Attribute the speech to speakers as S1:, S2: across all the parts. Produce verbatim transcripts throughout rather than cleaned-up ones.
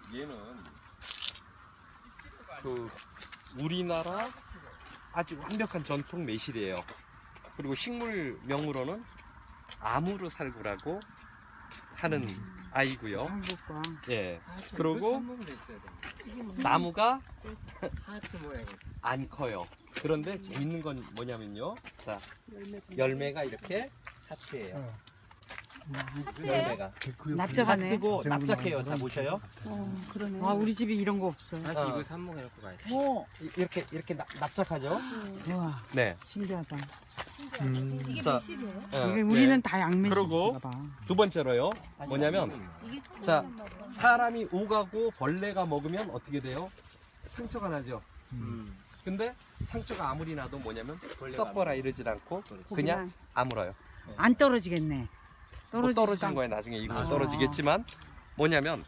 S1: 얘는 그 우리나라 아주 완벽한 전통 매실이에요. 그리고 식물명으로는 아무르살구라고 하는 음. 아이고요.
S2: 한국과.
S1: 예.
S3: 아, 저
S1: 그리고
S3: 이거 삽목으로 있어야 돼.
S2: 이게 뭐
S1: 나무가
S3: 하트 모양이었어.
S1: 안 커요. 그런데 재밌는 건 뭐냐면요. 자,
S2: 열매 좀
S1: 열매가 이렇게 하트예요.
S4: 하트예요?
S1: 열매가
S2: 납작하네.
S1: 하트고 납작해요. 자 보셔요.
S2: 어, 그러네. 아, 우리 집에 이런 거 없어.
S3: 다시
S1: 어.
S3: 이거 삽목해놓고 가야 돼.
S2: 어,
S1: 이- 이렇게 이렇게 납, 납작하죠.
S2: 우와,
S1: 네.
S2: 신기하다.
S1: 음.
S4: 이게
S1: 자.
S4: 매실이에요?
S1: 어,
S2: 이게 우리는
S1: 예.
S2: 다 양매실인가
S1: 그러고
S2: 봐.
S1: 두 번째로요. 뭐냐면
S4: 이게
S1: 자, 사람이 오가고 벌레가 먹으면 어떻게 돼요? 상처가 나죠.
S3: 음.
S1: 근데 상처가 아무리 나도 뭐냐면
S3: 벌레가
S1: 썩거라 이러질 않고 그냥
S2: 그냥
S1: 아물어요.
S2: 안 떨어지겠네.
S1: 뭐
S2: 떨어지지도
S1: 떨어진
S2: 않-
S1: 거에 나중에 이거
S2: 아.
S1: 떨어지겠지만 뭐냐면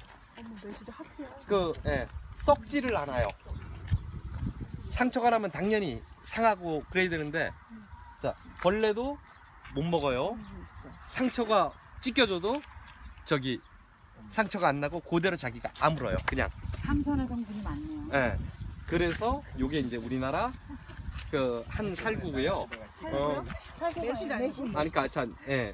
S1: 그 예, 썩지를 않아요. 상처가 나면 당연히 상하고 그래야 되는데 자 벌레도 못 먹어요. 상처가 찢겨져도 저기 상처가 안 나고 그대로 자기가 아물어요. 그냥.
S2: 항산화 성분이 많네요.
S1: 예. 그래서 요게 이제 우리나라 그 한 살구고요. 어,
S4: 매실 아니고?
S1: 아니 그러니까 전 예.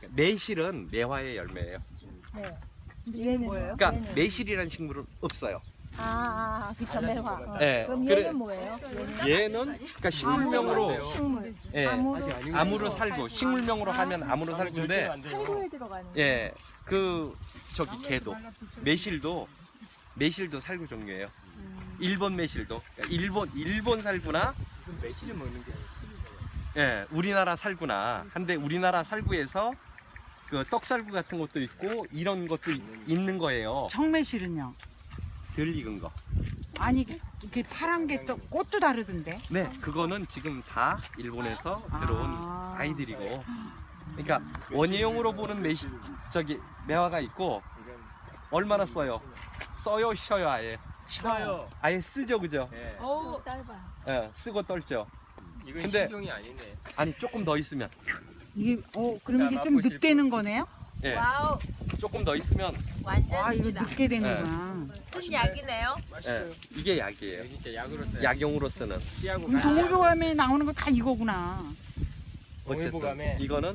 S1: 매실은 매화의 열매예요.
S4: 네. 얘는 뭐예요?
S1: 그러니까
S4: 얘는?
S1: 매실이라는 식물은 없어요.
S4: 아, 아, 그쵸, 매화. 어.
S1: 예.
S4: 그럼
S1: 그래-
S4: 얘는 뭐예요? 얘는?
S1: 얘는 그러니까 식물명으로
S4: 식물.
S1: 예.
S4: 아무로,
S1: 아무로 살구. 식물명으로 하면 아무로 살구인데
S4: 살구에 들어가는.
S1: 예. 그 저기 개도 매실도 매실도 살구 종류예요. 일본 매실도 그러니까 일본 일본 살구나
S3: 이건 매실을 먹는 게 아니야.
S1: 예, 우리나라 살구나. 한데 우리나라 살구에서 그 떡살구 같은 것도 있고 이런 것도 이- 있는 거예요.
S2: 청매실은요?
S1: 덜 익은 거.
S2: 아니, 이렇게 파란 게 또 꽃도 다르던데.
S1: 네, 그거는 지금 다 일본에서 들어온
S2: 아.
S1: 아이들이고. 그러니까 원예용으로 보는 매시 저기 매화가 있고
S3: 이건
S1: 얼마나 써요? 써요, 쉬어요, 아예.
S3: 싫어요.
S1: 아예 쓰죠, 그죠?
S3: 예.
S4: 어우, 짧아.
S1: 예, 쓰고 떨죠.
S3: 이건
S1: 근데-
S3: 식용이 아니네.
S1: 아니 조금 더 있으면,
S2: 이게, 어, 그럼 이게 좀
S3: 맛보실
S2: 늑대는
S3: 분.
S2: 거네요?
S1: 예,
S4: 와우,
S1: 조금 더 있으면,
S4: 완전
S2: 아, 이거
S4: 씁니다.
S2: 늑게 되는구나.
S4: 쓴 약이네요.
S1: 예, 이게 약이에요.
S3: 이거 진짜 약으로 써요.
S1: 약용으로 쓰는.
S3: 씨하고
S2: 그럼 동물보감에 나오는 거 다 이거구나.
S1: 어쨌든
S3: 동일보감에
S1: 이거는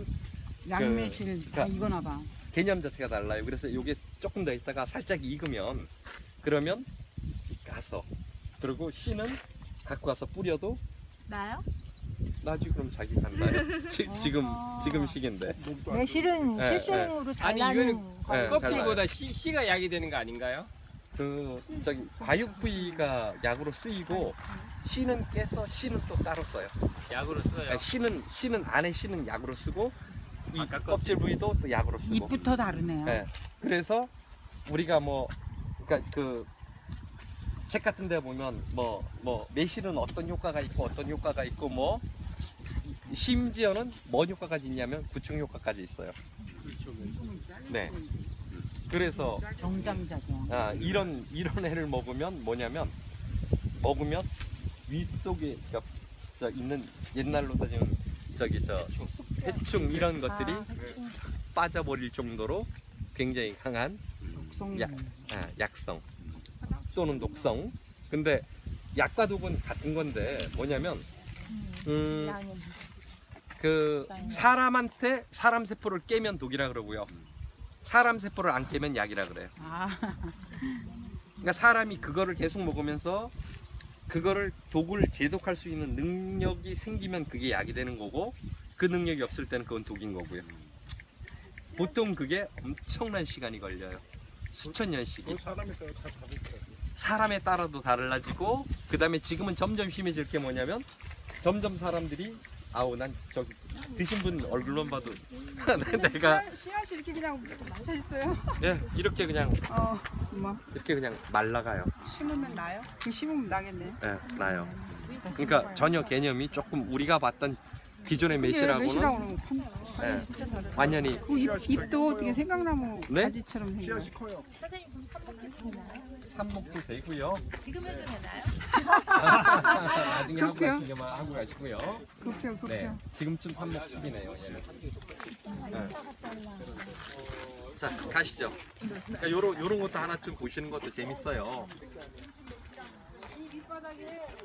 S2: 양매실 다
S1: 그러니까-
S2: 이거나 봐.
S1: 개념 자체가 달라요. 그래서 이게 조금 더 있다가 살짝 익으면 그러면 가서 그리고 씨는 갖고 가서 뿌려도
S4: 나요?
S1: 나지 그럼 자기 간다요. 지, 지금 지금 시기인데.
S4: 매실은
S1: 예,
S4: 실생으로 잘
S3: 아니,
S4: 나는
S3: 이거는
S4: 거.
S1: 예,
S3: 껍질보다 씨, 씨가 약이 되는 거 아닌가요?
S1: 그 저기 과육 부위가 약으로 쓰이고 씨는 깨서 씨는 또 따로 써요.
S3: 약으로 써요.
S1: 아니, 씨는 씨는 안에 씨는 약으로 쓰고 이
S3: 아까
S1: 껍질 부위도 또 약으로 쓰고.
S2: 잎부터 다르네요.
S1: 예. 그래서 우리가 뭐 그러니까 그 책 같은 데 보면 뭐 뭐 매실은 어떤 효과가 있고 어떤 효과가 있고 뭐 심지어는 뭔 효과까지 있냐면 구충 효과까지 있어요. 네. 그래서
S2: 정장작용.
S1: 아, 이런 이런 애를 먹으면 뭐냐면 먹으면 위 속에 그러니까 저 있는 옛날로 따지면 저기 저 해충 이런 것들이
S4: 아, 그치.
S1: 빠져버릴 정도로 굉장히 강한
S2: 독성.
S1: 약, 아, 약성 또는 독성. 근데 약과 독은 같은 건데 뭐냐면 음,
S4: 양은.
S1: 그 사람한테 사람 세포를 깨면 독이라 그러고요. 사람 세포를 안 깨면 약이라 그래요.
S2: 아,
S1: 그러니까 사람이 그거를 계속 먹으면서 그거를 독을 제독할 수 있는 능력이 생기면 그게 약이 되는 거고 그 능력이 없을 때는 그건 독인 거고요. 보통 그게 엄청난 시간이 걸려요. 수천 년씩이. 사람에 따라도 달라지고 그 다음에 지금은 점점 심해질 게 뭐냐면 점점 사람들이 아우 난 저기 드신 분 얼굴만 봐도 내가
S5: 씨앗이 이렇게 그냥 묻혀 있어요.
S1: 예 이렇게 그냥
S5: 어, 뭐
S1: 이렇게 그냥 말라가요.
S5: 심으면 나요? 그 심으면 나겠네.
S1: 예 나요. 그러니까 전혀 개념이 조금 우리가 봤던 기존의 매실하고는
S5: 매실하고는
S1: 예, 완전히
S5: 그 잎, 잎도 어떻게 생강나무
S1: 네?
S5: 가지처럼 생겨요.
S4: 선생님 그럼 삼복도 되나요?
S1: 삽목도 되고요.
S4: 지금 해도 되나요?
S1: 나중에 하고
S5: 그렇게요?
S1: 가시려면 하고 가시고요.
S5: 그렇게요, 그렇게요.
S1: 네 지금쯤 삽목 시기네요 얘는. 예. 자, 가시죠. 그러니까 요런 요런 것도 하나쯤 보시는 것도 재밌어요.
S5: 이 밑바닥에